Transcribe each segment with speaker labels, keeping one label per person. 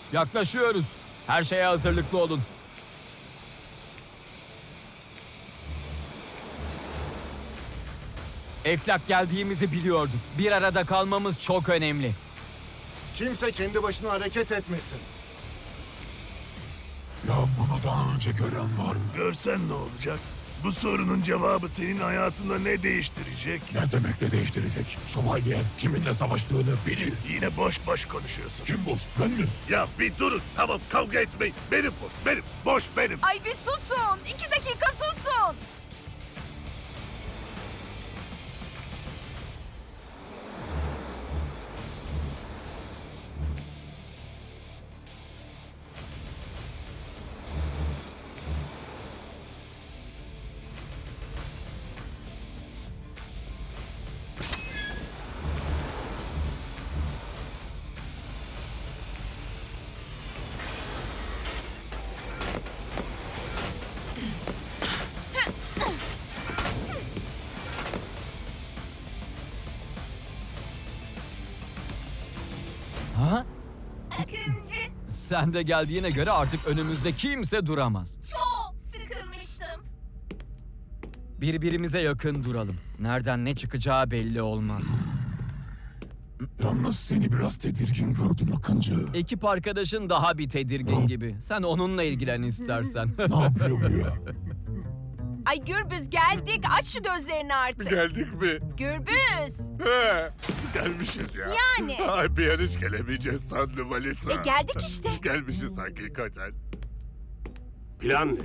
Speaker 1: Yaklaşıyoruz. Her şeye hazırlıklı olun. Eflak geldiğimizi biliyordum. Bir arada kalmamız çok önemli.
Speaker 2: Kimse kendi başına hareket etmesin.
Speaker 3: Ya bunu daha önce gören var mı?
Speaker 4: Görsen ne olacak? Bu sorunun cevabı senin hayatında ne değiştirecek?
Speaker 3: Ne demek ne değiştirecek? Şövalye kiminle savaştığını bilir.
Speaker 4: Yine boş boş konuşuyorsun.
Speaker 3: Kim bu? Ben mi?
Speaker 4: Ya bir durun. Tamam kavga etmeyin. Benim boş, benim. Boş benim.
Speaker 5: Ay bir susun. 2 dakika susun.
Speaker 1: Ha?
Speaker 6: Akıncı,
Speaker 1: Sen de geldiğine göre artık önümüzde kimse duramaz.
Speaker 6: çok sıkılmıştım.
Speaker 1: Birbirimize yakın duralım. Nereden ne çıkacağı belli olmaz.
Speaker 3: Yalnız seni biraz tedirgin gördüm Akıncı.
Speaker 1: Ekip arkadaşın daha bir tedirgin gibi. Sen onunla ilgilen istersen.
Speaker 3: Ne yapıyor bu ya?
Speaker 5: Ay Gürbüz geldik. Aç şu gözlerini artık.
Speaker 4: Geldik mi?
Speaker 5: Gürbüz.
Speaker 4: He, gelmişiz ya.
Speaker 5: Yani.
Speaker 4: Ay bir an hiç gelemeyeceğiz sandım Alisa.
Speaker 5: Geldik işte.
Speaker 4: Gelmişiz hakikaten. Plan ne?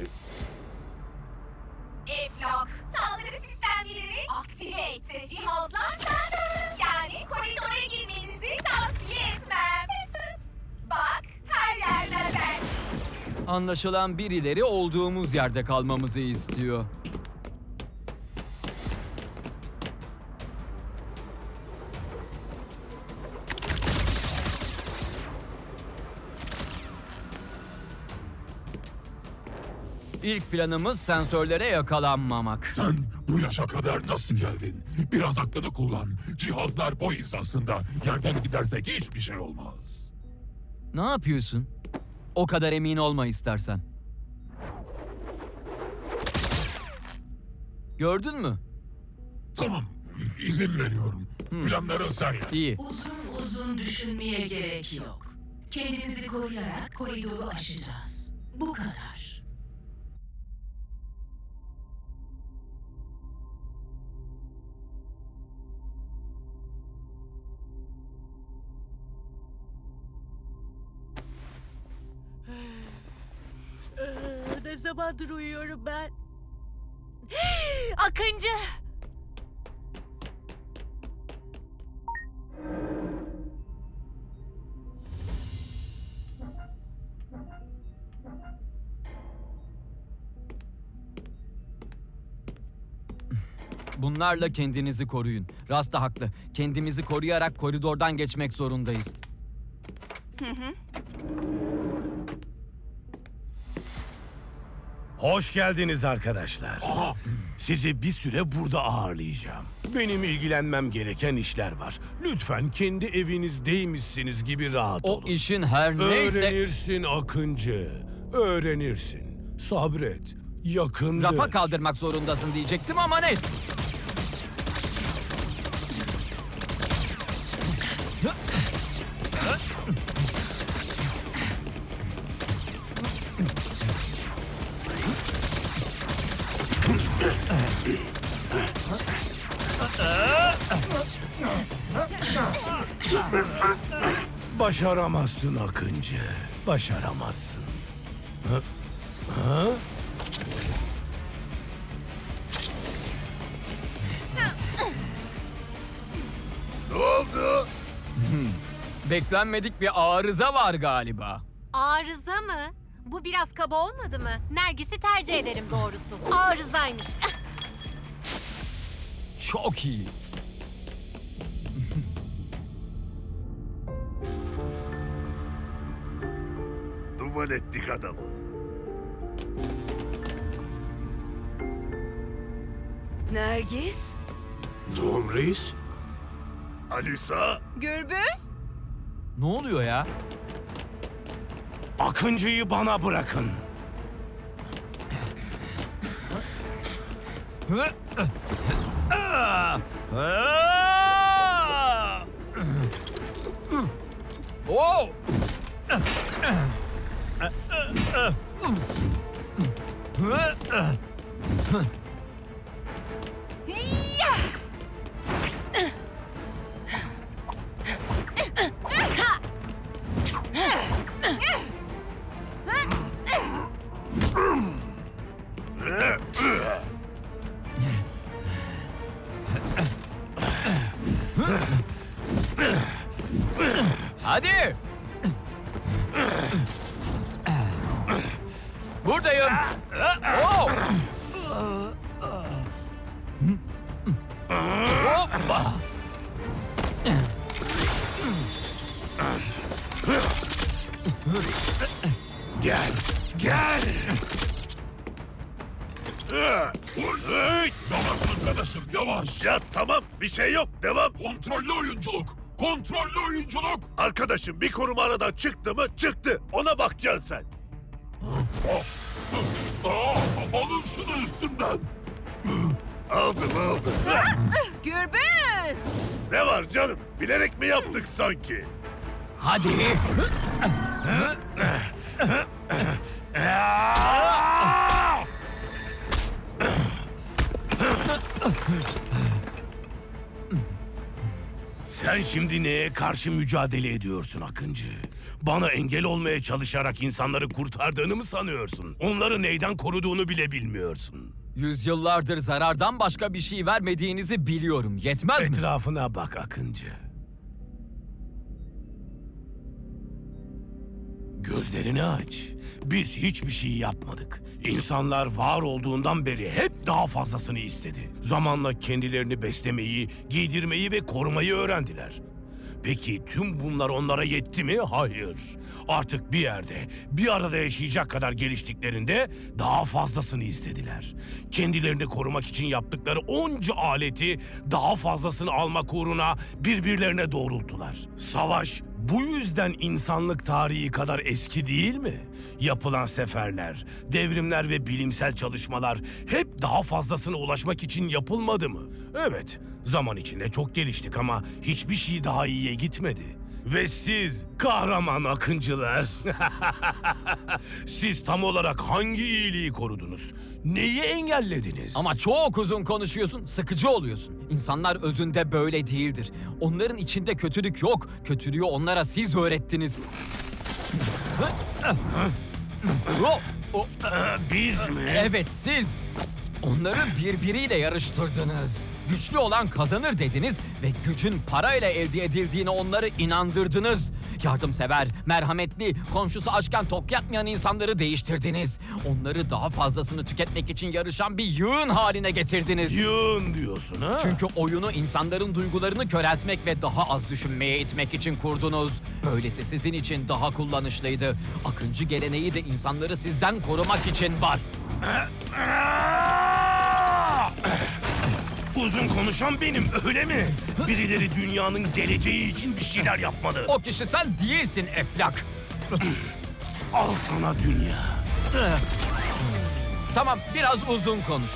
Speaker 6: Eflak, saldırı sistemlerini aktive etti. Cihazlar sensörlü. Yani koridora girmenizi tavsiye etmem. Bak, her yer lazer.
Speaker 1: Anlaşılan birileri olduğumuz yerde kalmamızı istiyor. İlk planımız sensörlere yakalanmamak.
Speaker 3: Sen bu yaşa kadar nasıl geldin? Biraz aklını kullan. Cihazlar boy hizasında. Yerden gidersek hiçbir şey olmaz.
Speaker 1: Ne yapıyorsun? O kadar emin olma istersen. Gördün mü?
Speaker 3: Tamam, izin veriyorum. Planları sen yap.
Speaker 1: İyi.
Speaker 7: Uzun uzun düşünmeye gerek yok. Kendimizi koruyarak koridoru aşacağız. Bu kadar.
Speaker 5: Ne zamandır uyuyorum ben?
Speaker 6: Akıncı.
Speaker 1: Bunlarla kendinizi koruyun. Rasta haklı. Kendimizi koruyarak koridordan geçmek zorundayız.
Speaker 8: Hoş geldiniz arkadaşlar. Sizi bir süre burada ağırlayacağım. Benim ilgilenmem gereken işler var. Lütfen kendi evinizdeymişsiniz gibi rahat
Speaker 1: O
Speaker 8: olun.
Speaker 1: işin her neyse...
Speaker 8: Öğrenirsin Akıncı. Öğrenirsin. Sabret. Yakındır.
Speaker 1: Rafa kaldırmak zorundasın diyecektim ama neyse.
Speaker 8: Başaramazsın Akıncı. Başaramazsın. Ha? Ha?
Speaker 4: Ne oldu?
Speaker 1: Beklenmedik bir arıza var galiba.
Speaker 9: Arıza mı? Bu biraz kaba olmadı mı? Nergis'i tercih ederim doğrusu. Arızaymış.
Speaker 1: Çok iyi.
Speaker 4: Duman ettik adamı.
Speaker 5: Nergis?
Speaker 8: Tom Reis?
Speaker 4: Alisa,
Speaker 5: Gürbüz?
Speaker 1: Ne oluyor ya?
Speaker 8: Akıncı'yı bana bırakın.
Speaker 1: Oh! Hadi! Buradayım. Oh! Hoppa!
Speaker 8: Gel, gel.
Speaker 3: Yavaş arkadaşım yavaş.
Speaker 4: Ya tamam, bir şey yok. Devam.
Speaker 3: Kontrollü oyunculuk. Kontrollü oyunculuk.
Speaker 4: Arkadaşım bir koruma aradan çıktı mı? Çıktı. Ona bakacaksın sen.
Speaker 3: Alın şunu üstümden.
Speaker 4: Aldım.
Speaker 5: Gürbüz!
Speaker 4: Ne var canım? Bilerek mi yaptık sanki?
Speaker 1: Hadi!
Speaker 8: Sen şimdi neye karşı mücadele ediyorsun Akıncı? Bana engel olmaya çalışarak insanları kurtardığını mı sanıyorsun? Onları neyden koruduğunu bile bilmiyorsun.
Speaker 1: Yüzyıllardır zarardan başka bir şey vermediğinizi biliyorum. Yetmez mi?
Speaker 8: Etrafına bak Akıncı. Gözlerini aç. Biz hiçbir şey yapmadık. İnsanlar var olduğundan beri hep daha fazlasını istedi. Zamanla kendilerini beslemeyi, giydirmeyi ve korumayı öğrendiler. Peki tüm bunlar onlara yetti mi? Hayır. Artık bir yerde, bir arada yaşayacak kadar geliştiklerinde daha fazlasını istediler. Kendilerini korumak için yaptıkları onca aleti daha fazlasını almak uğruna birbirlerine doğrulttular. Savaş bu yüzden insanlık tarihi kadar eski değil mi? Yapılan seferler, devrimler ve bilimsel çalışmalar hep daha fazlasına ulaşmak için yapılmadı mı? Evet, zaman içinde çok geliştik ama hiçbir şey daha iyiye gitmedi. Ve siz kahraman akıncılar, siz tam olarak hangi iyiliği korudunuz? Neyi engellediniz?
Speaker 1: Ama çok uzun konuşuyorsun, sıkıcı oluyorsun. İnsanlar özünde böyle değildir. Onların içinde kötülük yok. Kötülüğü onlara siz öğrettiniz.
Speaker 8: Biz mi?
Speaker 1: Evet, siz. Onları birbiriyle yarıştırdınız. Güçlü olan kazanır dediniz ve gücün parayla elde edildiğine onları inandırdınız. Yardımsever, merhametli, komşusu açken tok yatmayan insanları değiştirdiniz. Onları daha fazlasını tüketmek için yarışan bir yığın haline getirdiniz.
Speaker 8: Yığın diyorsun ha?
Speaker 1: Çünkü oyunu insanların duygularını köreltmek ve daha az düşünmeye itmek için kurdunuz. Böylesi sizin için daha kullanışlıydı. Akıncı geleneği de insanları sizden korumak için var.
Speaker 8: Uzun konuşan benim, öyle mi? Birileri dünyanın geleceği için bir şeyler yapmalı.
Speaker 1: O kişi sen değilsin Eflak.
Speaker 8: Al sana dünya.
Speaker 1: Tamam, biraz uzun konuş.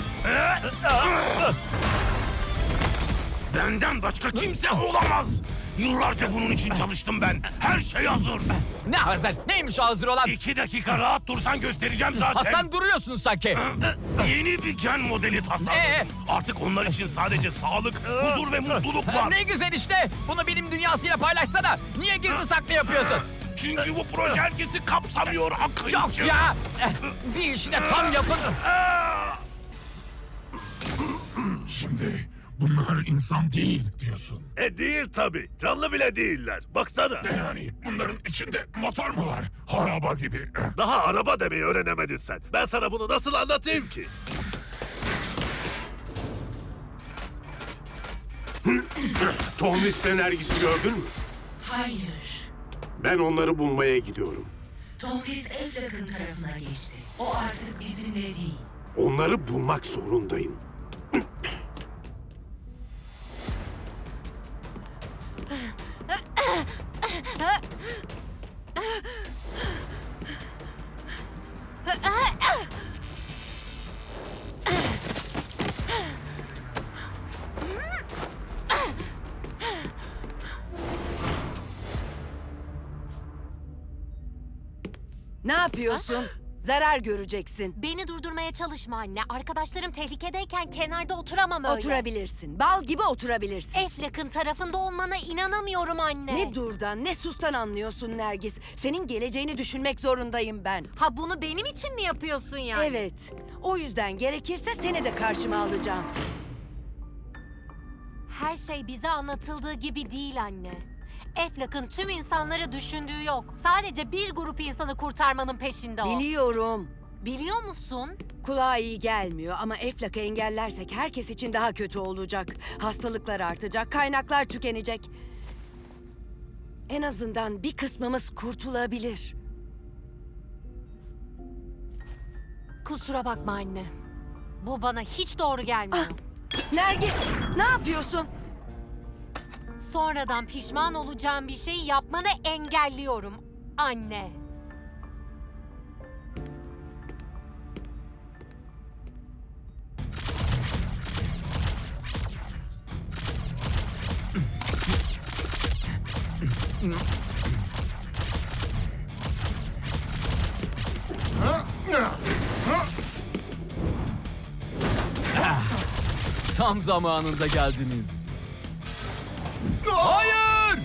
Speaker 8: Benden başka kimse olamaz. Yıllarca bunun için çalıştım ben. Her şey hazır.
Speaker 1: Ne hazır? Neymiş o hazır olan?
Speaker 8: 2 dakika rahat dursan göstereceğim zaten.
Speaker 1: Ha, sen duruyorsun sanki.
Speaker 8: Yeni bir gen modeli tasarladım. Artık onlar için sadece sağlık, huzur ve mutluluk var.
Speaker 1: Ne güzel işte. Bunu bilim dünyasıyla paylaşsana. Niye gizli saklı yapıyorsun?
Speaker 8: Çünkü bu proje herkesi kapsamıyor Akıncı.
Speaker 1: Yok ya. Bir işi de tam yapın.
Speaker 3: Şimdi bunlar insan değil diyorsun.
Speaker 4: Değil tabii. Canlı bile değiller. Baksana.
Speaker 3: Yani bunların içinde motor mu var? Araba gibi.
Speaker 4: Daha araba demeyi öğrenemedin sen. Ben sana bunu nasıl anlatayım ki?
Speaker 10: Tohmis enerjisi gördün mü?
Speaker 7: Hayır.
Speaker 10: Ben onları bulmaya gidiyorum.
Speaker 7: Tomris Eflak'ın tarafına geçti. O artık bizimle değil.
Speaker 10: Onları bulmak zorundayım.
Speaker 5: Ne yapıyorsun? Zarar göreceksin.
Speaker 9: Beni durdurmaya çalışma anne. Arkadaşlarım tehlikedeyken kenarda oturamam öyle.
Speaker 5: Oturabilirsin. Bal gibi oturabilirsin.
Speaker 9: Eflak'ın tarafında olmana inanamıyorum anne.
Speaker 5: Ne durdan ne sustan anlıyorsun Nergis. Senin geleceğini düşünmek zorundayım ben.
Speaker 9: Ha bunu benim için mi yapıyorsun yani?
Speaker 5: Evet. O yüzden gerekirse seni de karşıma alacağım.
Speaker 9: Her şey bize anlatıldığı gibi değil anne. Eflak'ın tüm insanları düşündüğü yok. Sadece bir grup insanı kurtarmanın peşinde o.
Speaker 5: Biliyorum.
Speaker 9: Biliyor musun?
Speaker 5: Kulağa iyi gelmiyor ama Eflak'ı engellersek herkes için daha kötü olacak. Hastalıklar artacak, kaynaklar tükenecek. En azından bir kısmımız kurtulabilir.
Speaker 9: Kusura bakma anne. Bu bana hiç doğru gelmiyor.
Speaker 5: Nergis, ne yapıyorsun?
Speaker 9: Sonradan pişman olacağım bir şeyi yapmanı engelliyorum anne.
Speaker 1: Tam zamanında geldiniz. Hayır!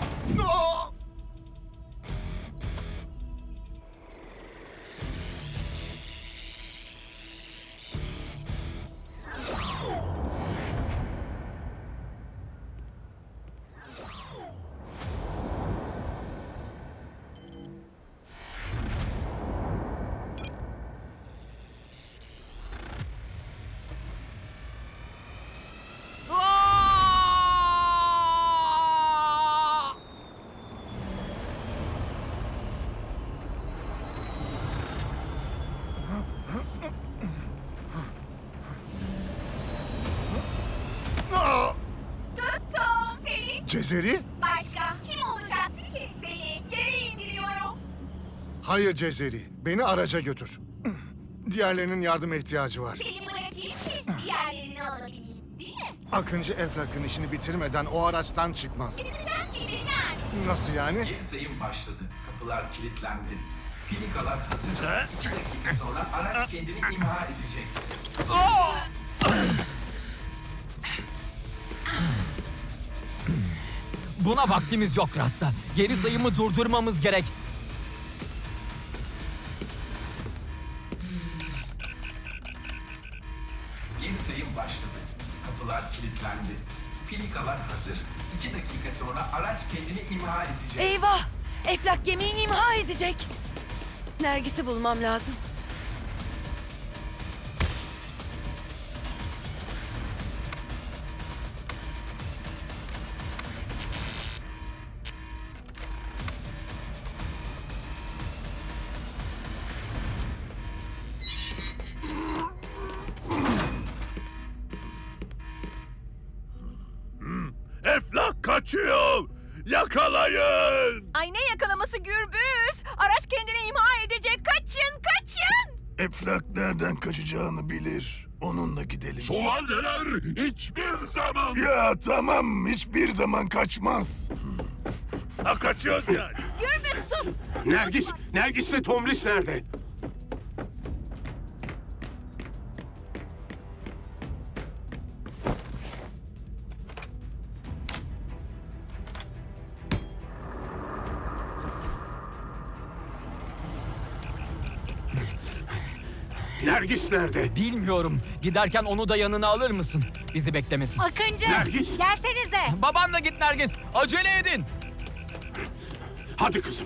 Speaker 6: Tuttum seni.
Speaker 2: Cezeri?
Speaker 6: Başka kim olacaktı ki? Seni yere indiriyorum.
Speaker 2: Hayır Cezeri. Beni araca götür. Diğerlerinin yardıma ihtiyacı var.
Speaker 6: Seni bırakayım ki diğerlerini alabileyim. Değil mi?
Speaker 2: Akıncı Eflak'ın işini bitirmeden o araçtan çıkmaz.
Speaker 6: Çıkacak gibi yani.
Speaker 2: Nasıl yani?
Speaker 11: Yeni sayım başladı. Kapılar kilitlendi. Filikalar hazır. 2 dakika sonra araç kendini imha edecek.
Speaker 1: Buna vaktimiz yok Rasta. Geri sayımı durdurmamız gerek.
Speaker 11: Yeni sayım başladı. Kapılar kilitlendi. Filikalar hazır. 2 dakika sonra araç kendini imha edecek.
Speaker 5: Eyvah! Eflak gemiyi imha edecek. Nergis'i bulmam lazım.
Speaker 4: Eflak kaçıyor! Yakalayın!
Speaker 5: Ay ne yakalaması Gürbüz? Araç kendini imha edecek. Kaçın, kaçın!
Speaker 4: Eflak nereden kaçacağını bilir. Onunla gidelim.
Speaker 3: Şövalyeler hiçbir zaman...
Speaker 4: Ya tamam, hiçbir zaman kaçmaz. Ha kaçıyoruz yani.
Speaker 5: Gürbüz sus!
Speaker 10: Nergis'le Tomris nerede? Nergis nerede?
Speaker 1: Bilmiyorum. Giderken onu da yanına alır mısın? Bizi beklemesin.
Speaker 9: Akıncı!
Speaker 10: Nergis!
Speaker 9: Gelsenize!
Speaker 1: Babanla git Nergis. Acele edin.
Speaker 10: Hadi kızım.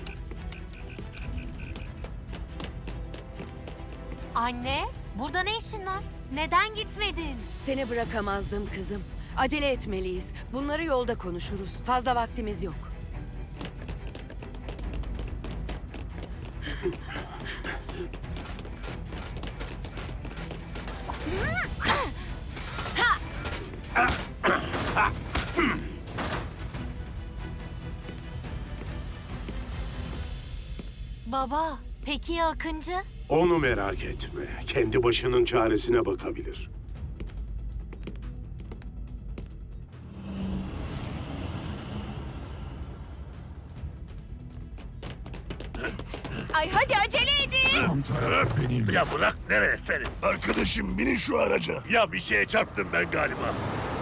Speaker 9: Anne, burada ne işin var? Neden gitmedin?
Speaker 5: Seni bırakamazdım kızım. Acele etmeliyiz. Bunları yolda konuşuruz. Fazla vaktimiz yok.
Speaker 9: Baba, peki ya Akıncı?
Speaker 10: Onu merak etme. Kendi başının çaresine bakabilir.
Speaker 6: Ay hadi acele edin.
Speaker 3: Tam taraf benim.
Speaker 4: Ya bırak nereye senin? Arkadaşım binin şu araca. Ya bir şeye çarptım ben galiba.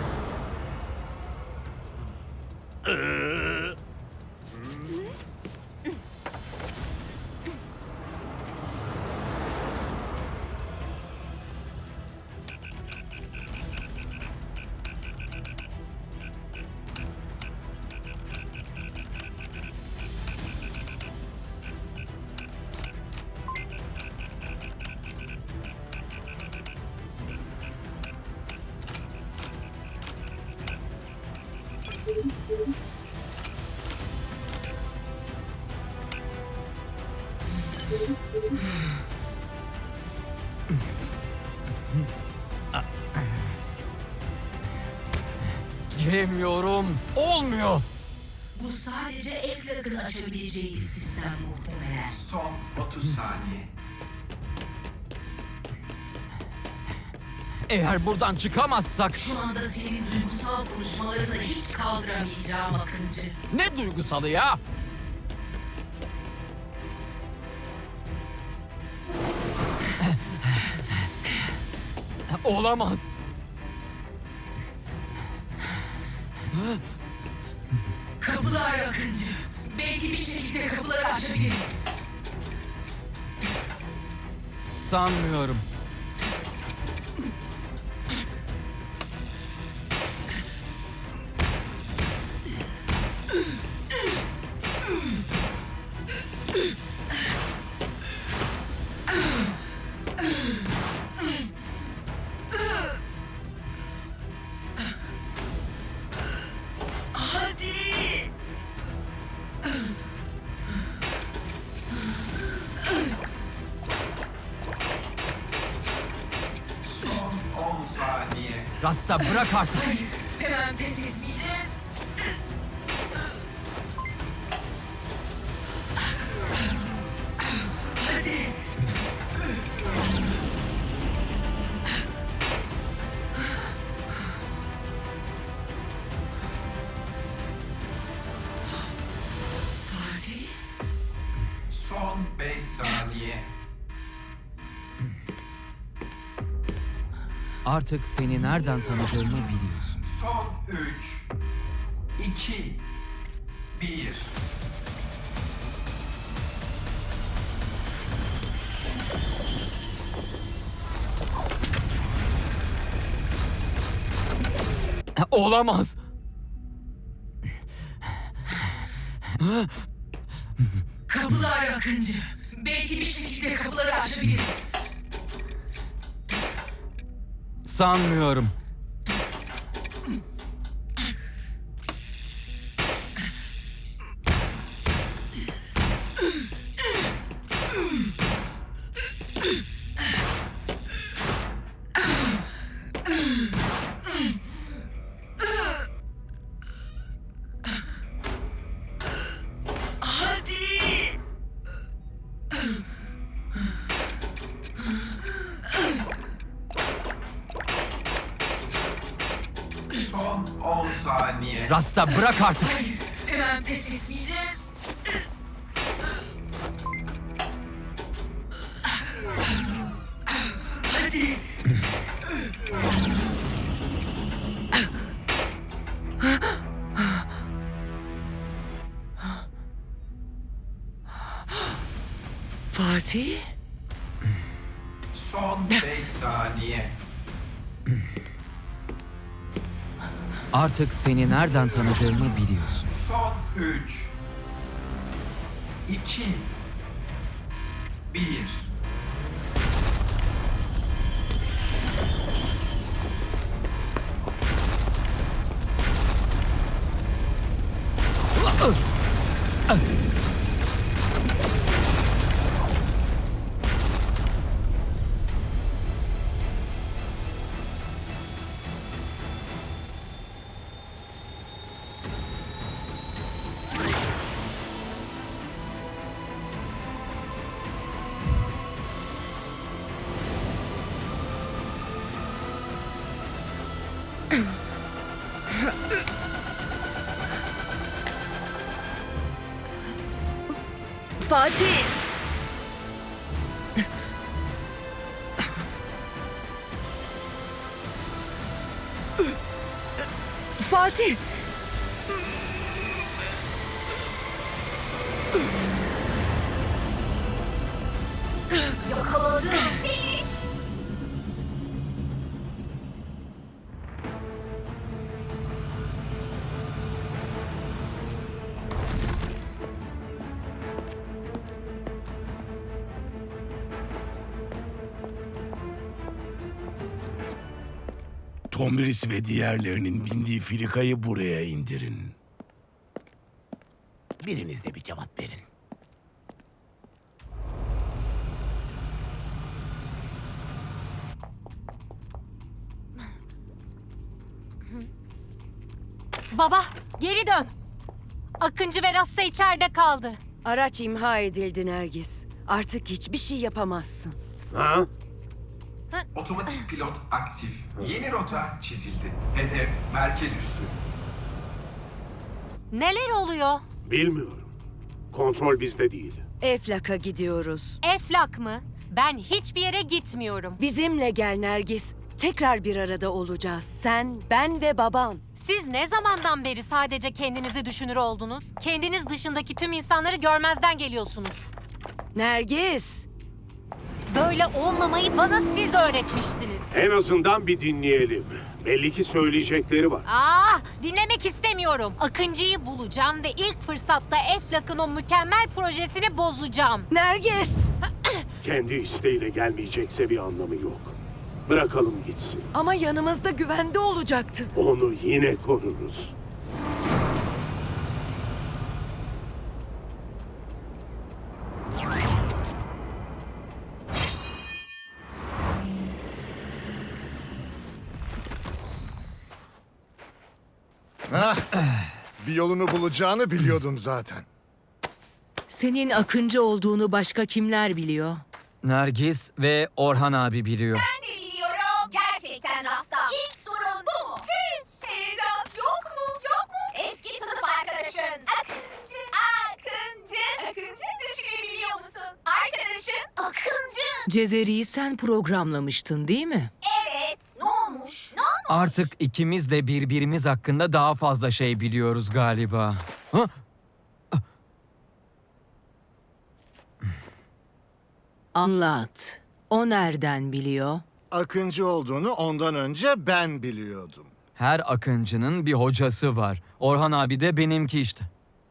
Speaker 1: Giremiyorum. Olmuyor.
Speaker 7: Bu sadece Eflak'ın açabileceği bir sistem muhtemelen.
Speaker 11: Son 30 saniye.
Speaker 1: Eğer buradan çıkamazsak...
Speaker 7: Şu anda senin duygusal konuşmalarını hiç kaldıramayacağım Akıncı.
Speaker 1: Ne duygusalı ya? Olamaz.
Speaker 7: Kapılar Akıncı. Belki bir şekilde kapıları açabiliriz.
Speaker 1: Sanmıyorum.
Speaker 7: Hadi!
Speaker 11: Son 10 saniye.
Speaker 1: Rasta bırak artık.
Speaker 7: Hemen pes etmeyeceğiz. Hadi! Fatih?
Speaker 11: Son 5 saniye.
Speaker 1: Artık seni nereden tanıdığımı biliyorsun.
Speaker 11: Son 3, 2, 1.
Speaker 1: Olamaz.
Speaker 7: Kapılar Akıncı. Belki bir şekilde kapıları açabiliriz.
Speaker 1: Sanmıyorum.
Speaker 7: Hadi!
Speaker 11: Son 10 saniye.
Speaker 1: Rasta bırak artık.
Speaker 7: Hemen pes etmeyeceğiz. Hadi! Fatih?
Speaker 11: Son 5 saniye.
Speaker 1: Artık seni nereden tanıdığımı biliyorsun.
Speaker 11: Son 3, 2, 1.
Speaker 12: Fatih! Fatih!
Speaker 6: Yakaladım seni.
Speaker 8: Tomris ve diğerlerinin bindiği filikayı buraya indirin. Biriniz de bir cevap verin.
Speaker 9: Baba, geri dön. Akıncı ve Rasta içeride kaldı.
Speaker 5: Araç imha edildi Nergis. Artık hiçbir şey yapamazsın.
Speaker 10: Ha?
Speaker 11: Otomatik pilot aktif. Yeni rota çizildi. Hedef merkez üssü.
Speaker 9: Neler oluyor?
Speaker 10: Bilmiyorum. Kontrol bizde değil.
Speaker 5: Eflak'a gidiyoruz.
Speaker 9: Eflak mı? Ben hiçbir yere gitmiyorum.
Speaker 5: Bizimle gel Nergis. Tekrar bir arada olacağız. Sen, ben ve baban.
Speaker 9: Siz ne zamandan beri sadece kendinizi düşünür oldunuz? Kendiniz dışındaki tüm insanları görmezden geliyorsunuz.
Speaker 5: Nergis!
Speaker 9: Böyle olmamayı bana siz öğretmiştiniz.
Speaker 10: En azından bir dinleyelim. Belli ki söyleyecekleri var.
Speaker 9: Dinlemek istemiyorum. Akıncı'yı bulacağım ve ilk fırsatta Eflak'ın o mükemmel projesini bozacağım.
Speaker 5: Nergis!
Speaker 10: Kendi isteğiyle gelmeyecekse bir anlamı yok. Bırakalım gitsin.
Speaker 5: Ama yanımızda güvende olacaktı.
Speaker 10: Onu yine koruruz.
Speaker 2: Bir yolunu bulacağını biliyordum zaten.
Speaker 12: Senin Akıncı olduğunu başka kimler biliyor?
Speaker 1: Nergis ve Orhan abi biliyor.
Speaker 6: Ben de biliyorum. Gerçekten Rasta. İlk sorun bu mu? Hiç heyecan yok mu? Yok mu? Eski sınıf arkadaşın. Akıncı düşünebiliyor musun? Arkadaşın Akıncı.
Speaker 12: Cezeri'yi sen programlamıştın değil mi?
Speaker 6: Evet. Ne olmuş? Ne olmuş?
Speaker 1: Artık ikimiz de birbirimiz hakkında daha fazla şey biliyoruz galiba. Ha?
Speaker 12: Anlat. O nereden biliyor?
Speaker 2: Akıncı olduğunu ondan önce ben biliyordum.
Speaker 1: Her akıncının bir hocası var. Orhan abi de benimki işte.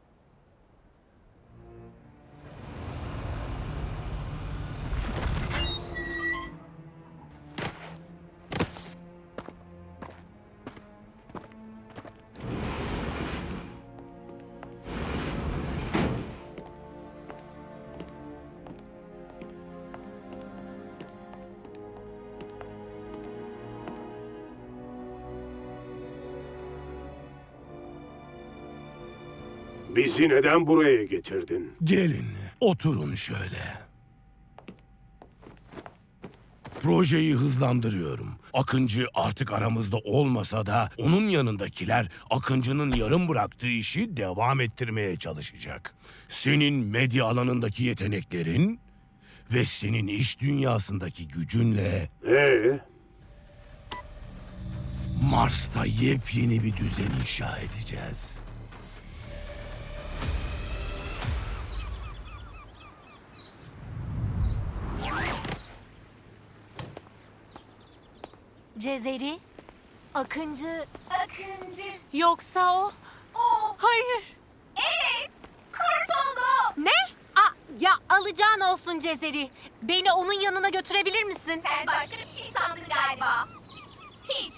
Speaker 10: Bizi neden buraya getirdin?
Speaker 8: Gelin, oturun şöyle. Projeyi hızlandırıyorum. Akıncı artık aramızda olmasa da onun yanındakiler Akıncı'nın yarım bıraktığı işi devam ettirmeye çalışacak. Senin medya alanındaki yeteneklerin ve senin iş dünyasındaki gücünle Mars'ta yepyeni bir düzen inşa edeceğiz.
Speaker 9: Cezeri, Akıncı,
Speaker 6: Akıncı.
Speaker 9: yoksa o?
Speaker 6: O.
Speaker 9: Hayır.
Speaker 6: Evet. Kurtuldu.
Speaker 9: Ne? Ya alacağın olsun Cezeri. Beni onun yanına götürebilir misin?
Speaker 6: Sen başka bir şey sandın galiba. Hiç.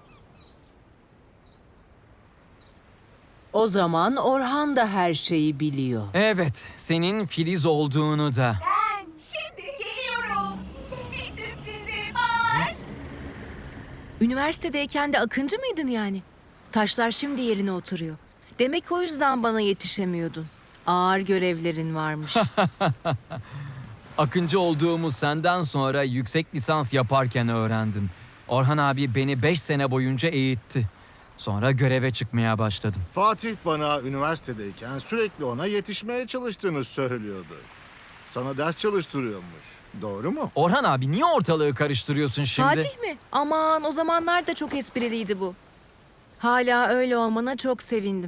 Speaker 12: O zaman Orhan da her şeyi biliyor.
Speaker 1: Evet, senin Filiz olduğunu da.
Speaker 6: Ben şimdi geliyorum. Size bir sürprizim var.
Speaker 12: Üniversitedeyken de Akıncı mıydın yani? Taşlar şimdi yerine oturuyor. Demek o yüzden bana yetişemiyordun. Ağır görevlerin varmış.
Speaker 1: Akıncı olduğumu senden sonra yüksek lisans yaparken öğrendim. Orhan abi beni 5 sene boyunca eğitti. Sonra göreve çıkmaya başladım.
Speaker 2: Fatih bana üniversitedeyken sürekli ona yetişmeye çalıştığını söylüyordu. Sana ders çalıştırıyormuş. Doğru mu?
Speaker 1: Orhan abi niye ortalığı karıştırıyorsun şimdi?
Speaker 12: Fatih mi? Aman o zamanlar da çok espriliydi bu. Hala öyle olmana çok sevindim.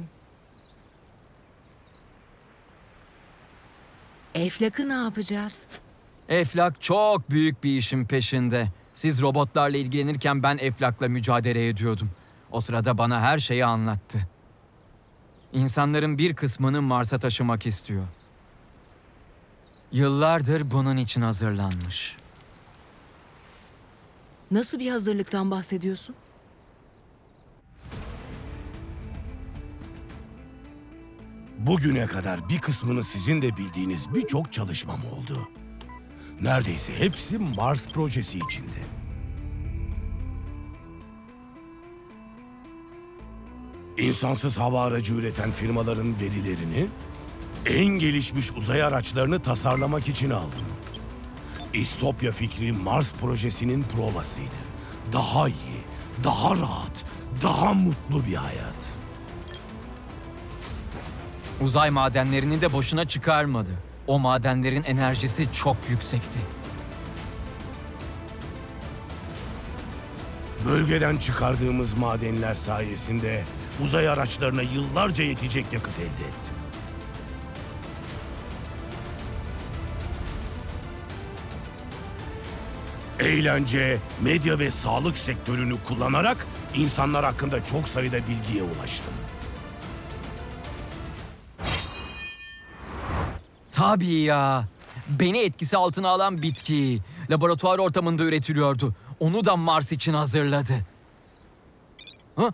Speaker 12: Eflak'ı ne yapacağız?
Speaker 1: Eflak çok büyük bir işin peşinde. Siz robotlarla ilgilenirken ben Eflak'la mücadele ediyordum. O sırada bana her şeyi anlattı. İnsanların bir kısmını Mars'a taşımak istiyor. Yıllardır bunun için hazırlanmış.
Speaker 12: Nasıl bir hazırlıktan bahsediyorsun?
Speaker 8: Bugüne kadar bir kısmını sizin de bildiğiniz birçok çalışmam oldu. Neredeyse hepsi Mars projesi içinde. İnsansız hava aracı üreten firmaların verilerini, en gelişmiş uzay araçlarını tasarlamak için aldım. İstopya fikri Mars projesinin provasıydı. Daha iyi, daha rahat, daha mutlu bir hayat.
Speaker 1: Uzay madenlerini de boşuna çıkarmadı. O madenlerin enerjisi çok yüksekti.
Speaker 8: Bölgeden çıkardığımız madenler sayesinde uzay araçlarına yıllarca yetecek yakıt elde ettim. Eğlence, medya ve sağlık sektörünü kullanarak insanlar hakkında çok sayıda bilgiye ulaştım.
Speaker 1: Tabii ya. Beni etkisi altına alan bitki laboratuvar ortamında üretiliyordu. Onu da Mars için hazırladı. Ha?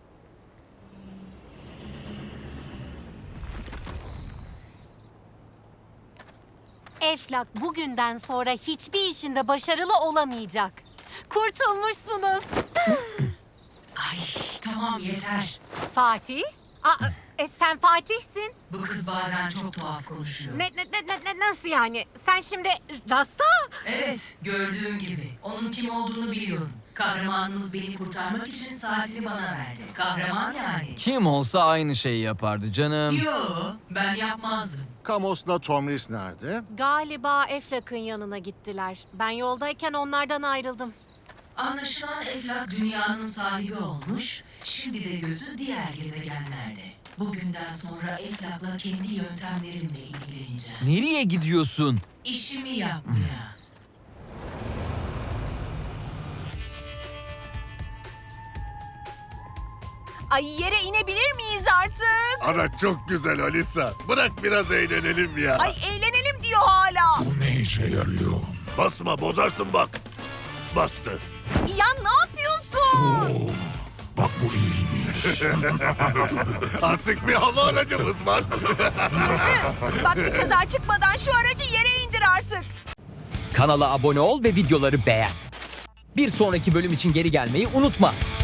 Speaker 9: Eflak bugünden sonra hiçbir işinde başarılı olamayacak. Kurtulmuşsunuz.
Speaker 7: Ay tamam yeter.
Speaker 9: Fatih? Sen Fatih'sin.
Speaker 7: Bu kız bazen çok tuhaf konuşuyor.
Speaker 9: Nasıl yani? Sen şimdi Rasta?
Speaker 7: Evet, gördüğün gibi. Onun kim olduğunu biliyorum. Kahramanınız beni kurtarmak için saatini bana verdi. Kahraman yani.
Speaker 1: Kim olsa aynı şeyi yapardı canım.
Speaker 7: Yo, ben yapmazdım.
Speaker 2: Kamos'la Tomris nerede?
Speaker 9: Galiba Eflak'ın yanına gittiler. Ben yoldayken onlardan ayrıldım.
Speaker 7: Anlaşılan Eflak dünyanın sahibi olmuş, şimdi de gözü diğer gezegenlerde. Bugünden sonra Eflak'la kendi yöntemlerimle ilgileneceğim.
Speaker 1: Nereye gidiyorsun?
Speaker 7: İşimi yapmaya.
Speaker 5: Ay yere inebilir miyiz artık?
Speaker 4: Araç çok güzel Alisa. Bırak biraz eğlenelim ya.
Speaker 5: Ay eğlenelim diyor hala.
Speaker 3: Bu ne işe yarıyor?
Speaker 4: Basma bozarsın bak. Bastı.
Speaker 5: Ya ne yapıyorsun?
Speaker 3: Bak bu iyiymiş.
Speaker 4: Artık bir hava aracımız var.
Speaker 5: Bak bir kaza çıkmadan şu aracı yere indir artık.
Speaker 1: Kanala abone ol ve videoları beğen. Bir sonraki bölüm için geri gelmeyi unutma.